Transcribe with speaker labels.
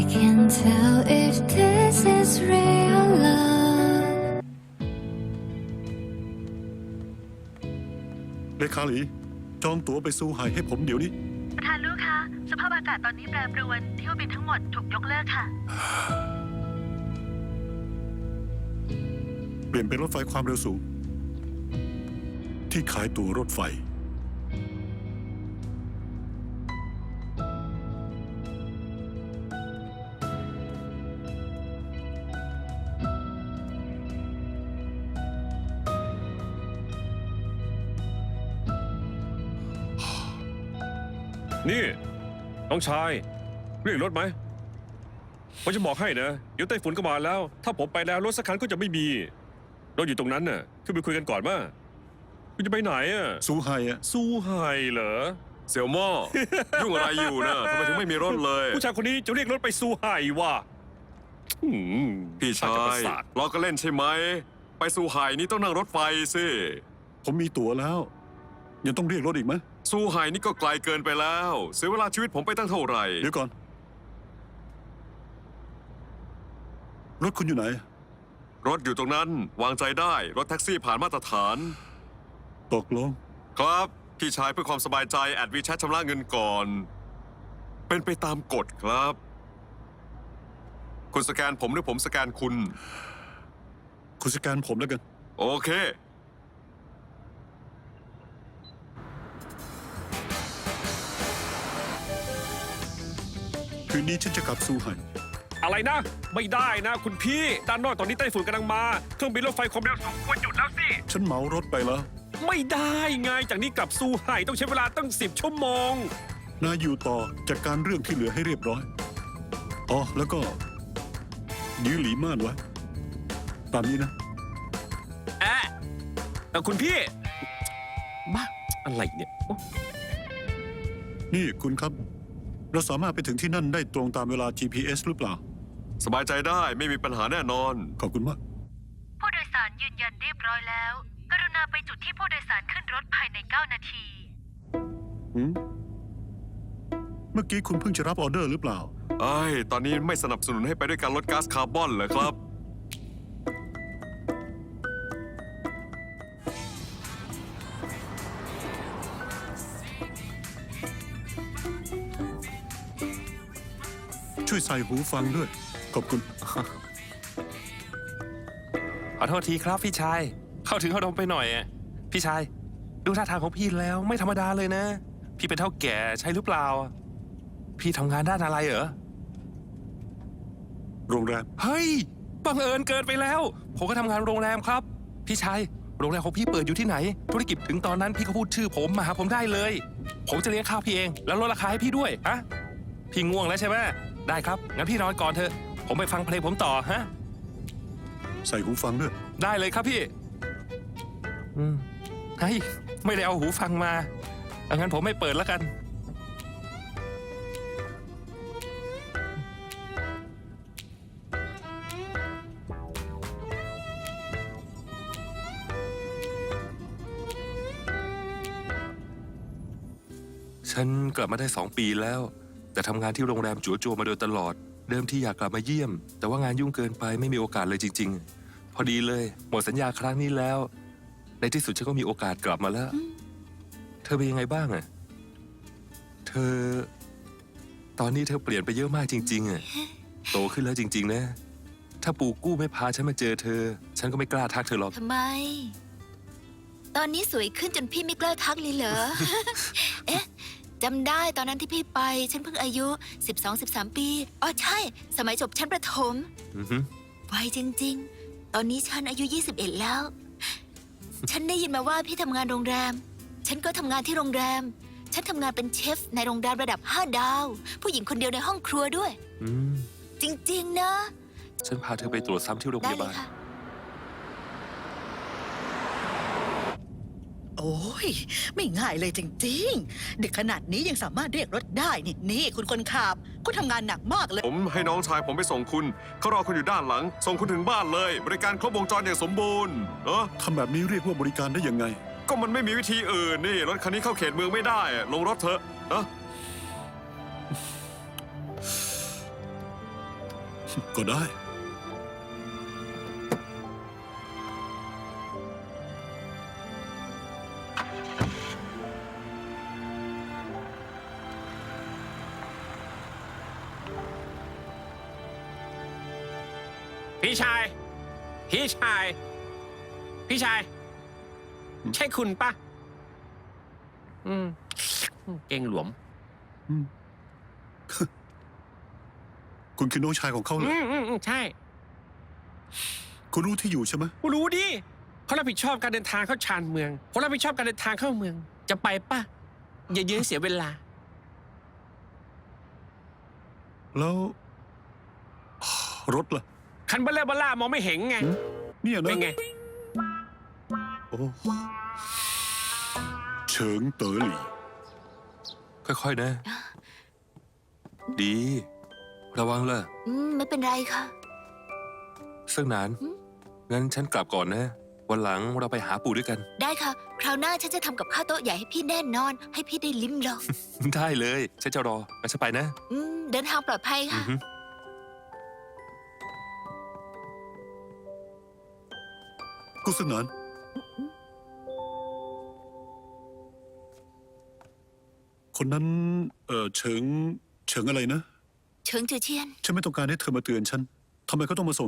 Speaker 1: can tell if this is real love
Speaker 2: เลขาหลีจองตั๋วไปซูไห่ให้ผมเดี๋ยวนี้
Speaker 3: ประธานลูกคะสภาพอากาศตอนนี้แปรปรวนเที่ยวบินทั้งหมดถูกยกเลิกค่ะ
Speaker 2: เปลี่ยนเป็นรถไฟความเร็วสูงที่ขายตั๋วรถไฟ
Speaker 4: นี่น้องชายเรียกรถไหมผมจะบอกให้นะเดี๋ยวไต้ฝุ่นก็มาแล้วถ้าผมไปแล้วรถสักคันก็จะไม่มีเราอยู่ตรงนั้นน่ะขึ้นไปคุยกันก่อนมาคุณจะไปไหนอ่ะ
Speaker 2: ซูไห่อะ
Speaker 4: สู้ไฮเหรอ
Speaker 5: เสี่ยวหม้อ ยุ่งอะไรอยู่นะทำไมถึงไม่มีรถเลย
Speaker 4: ผู้ชายคนนี้จะเรียกรถไปสู้ไฮวะ
Speaker 5: พี่ชา
Speaker 4: ประ
Speaker 5: ย
Speaker 4: สาท
Speaker 5: เราก็เล่นใช่ไหมไปสู่ไห่นี่ต้องนั่งรถไฟสิ
Speaker 2: ผมมีตั๋วแล้วยังต้องเรียกรถอีกไหม
Speaker 5: สู่ไห่นี่ก็ไกลเกินไปแล้วเสียเวลาชีวิตผมไปตั้งเท่าไหร่
Speaker 2: เดี๋ยวก่อนรถคุณอยู่ไหน
Speaker 5: รถอยู่ตรงนั้นวางใจได้รถแท็กซี่ผ่านมาตรฐาน
Speaker 2: ตกลง
Speaker 5: ครับพี่ชายเพื่อความสบายใจแอดวีแชทชำระเงินก่อน เป็นไปตามกฎครับ คุณสแกนผมหรือผมสแกนคุณ
Speaker 2: คุณสแกนผมแล้วกัน
Speaker 5: โอเค
Speaker 2: คืนนี้ฉันจะกลับซูไห่
Speaker 4: อะไรนะ ไม่ได้นะ คุณพี่ด้านนอกตอนนี้ไต้ฝุ่นกำลังมาเครื่องบินรถไฟความเร็วสูงควรหยุดแล้วสิ
Speaker 2: ฉันเหมารถไปแล้ว
Speaker 4: ไม่ได้ไงจากนี้กลับสู้ไห่ต้องใช้เวลาตั้ง10 ชั่วโมง
Speaker 2: นายอยู่ต่อจัดการเรื่องที่เหลือให้เรียบร้อยอ๋อแล้วก็ยื้อหลีม่านไว้ตามนี้นะ
Speaker 4: คุณพี่บ้าอะไรเนี่ยโอ๊ะ
Speaker 2: นี่คุณครับ เราสามารถไปถึงที่นั่นได้ตรงตามเวลา GPS หรือเปล่า
Speaker 5: สบายใจได้ไม่มีปัญหาแน่นอน
Speaker 2: ขอบคุณมาก
Speaker 3: ผู้โดยสารยืนยันเรียบร้อยแล้ว กรุณาไปจุดที่ผู้โดยสารขึ้นรถภายใน9 นาที
Speaker 2: เมื่อกี้คุณเพิ่งจะรับออเดอร์หรือเปล่า
Speaker 5: ตอนนี้ไม่สนับสนุนให้ไปด้วยการลดก๊าซคาร์บอนเหรอครับ
Speaker 2: ช่วยใส่หูฟังด้วย ขอบคุณ
Speaker 6: ขอโทษทีครับพี่ชาย เข้าถึงเข้าดมไปหน่อยอะพี่ชาย ดูท่าทางของพี่แล้วไม่ธรรมดาเลยนะ พี่เป็นเท่าแก่ใช่หรือเปล่า พี่ทำงานด้านอะไรเหรอ
Speaker 2: โรงแรม
Speaker 6: เฮ้ย บังเอิญเกินไปแล้ว ผมก็ทำงานโรงแรมครับ พี่ชาย โรงแรมของพี่เปิดอยู่ที่ไหน ธุรกิจถึงตอนนั้นพี่ก็พูดชื่อผมมาหาผมได้เลย ผมจะเลี้ยงข้าวพี่เอง แล้วลดราคาให้พี่ด้วยฮะพี่ง่วงแล้วใช่ไหมได้ครับ งั้นพี่นอนก่อนเถอะ ผมไปฟังเพลงผมต่อฮะ
Speaker 2: ใส่หูฟังด้วย
Speaker 6: ได้เลยครับพี่เฮ้ย ไม่ได้เอาหูฟังมาเอางั้นผมไม่เปิดแล้วกัน ฉันกลับมาได้2 ปีแล้ว แต่ทำงานที่โรงแรมจั่วโจวมาโดยตลอด เดิมที่อยากกลับมาเยี่ยม แต่ว่างานยุ่งเกินไปไม่มีโอกาสเลยจริง ๆ พอดีเลยหมดสัญญาครั้งนี้แล้ว ในที่สุดฉันก็มีโอกาสกลับมาแล้ว เธอเป็นยังไงบ้างอะเธอ ตอนนี้เธอเปลี่ยนไปเยอะมากจริงๆอะโตขึ้นแล้วจริงๆนะ ถ้าปู่กู้ไม่พาฉันมาเจอเธอ ฉันก็ไม่กล้าทักเธอหรอก
Speaker 7: ทำไม ตอนนี้สวยขึ้นจนพี่ไม่กล้าทักเลยเหรอ เอ๊ะจำได้ตอนนั้นที่พี่ไป ฉันเพิ่งอายุ 12-13 ปี อ๋อใช่ สมัยจบชั้นประถม
Speaker 6: อือฮึ
Speaker 7: ไวจริงๆ ตอนนี้ฉันอายุ 21 แล้ว ฉันได้ยินมาว่าพี่ทำงานโรงแรม ฉันก็ทำงานที่โรงแรม ฉันทำงานเป็นเชฟในโรงแรมระดับ 5 ดาว ผู้หญิงคนเดียวในห้องครัวด้วย
Speaker 6: อืม
Speaker 7: จริงๆ นะ
Speaker 6: ฉันพาเธอไปตรวจซ้ำที่โรงพ
Speaker 7: ได้
Speaker 6: ยา
Speaker 7: เล
Speaker 6: บาย ล
Speaker 7: ค่ะ
Speaker 8: โอ้ยไม่ง่ายเลยจริงๆดึกขนาดนี้ยังสามารถเรียกรถได้นี่คุณคนขับคุณทำงานหนักมากเลย
Speaker 5: ผมให้น้องชายผมไปส่งคุณเขารอคุณอยู่ด้านหลัง ส่งคุณถึงบ้านเลย บริการครบวงจรอย่างสมบูรณ์
Speaker 2: ทำแบบนี้เรียกว่าบริการได้ยังไง
Speaker 5: ก็มันไม่มีวิธีอื่นนี่รถคันนี้เข้าเขตเมืองไม่ได้ลงรถเถอะ
Speaker 2: ก็ได้
Speaker 9: พี่ชาย พี่ชาย พี่ชาย ใช่คุณปะเก่งหลวม
Speaker 2: คุณคือน้องชายของเขาเหรอ
Speaker 9: ใช่
Speaker 2: คุณรู้ที่อยู่ใช่ไหม
Speaker 9: กูรู้ดิเขารับผิดชอบการเดินทางเข้าชานเมืองเขารับผิดชอบการเดินทางเข้าเมือง จะไปปะอย่ายืนเสียเวลา
Speaker 2: แล้ว รถล่ะ
Speaker 9: คันเบลเลอร์เบล่ามองไม่เห็นไง
Speaker 2: เนี่ยนะ
Speaker 9: เป็นไง
Speaker 2: โอ้เฉิงเต๋อหลี่
Speaker 6: ค่อยๆนะ ดี ระวังล่ะ
Speaker 7: ไม่เป็นไรค่ะ
Speaker 6: เซิ่งหนาน งั้นฉันกลับก่อนนะ วันหลังเราไปหาปู่ด้วยกัน
Speaker 7: ได้ค่ะ คราวหน้าฉันจะทำกับข้าวโต๊ะใหญ่ให้พี่แน่นอน ให้พี่ได้ลิ้มลอง
Speaker 6: ได้เลย ฉันจะรองั้นฉันไปนะ
Speaker 7: เดินทางปลอดภัย
Speaker 6: อื
Speaker 7: ค่ะ
Speaker 6: อฮึ
Speaker 2: กุศนานคนนั้น เฉิงอะไรนะ
Speaker 7: เฉิงจือเชียน
Speaker 2: ฉันไม่ต้องการให้เธอมาเตือนฉัน ทำไมเขาต้องมาส่ง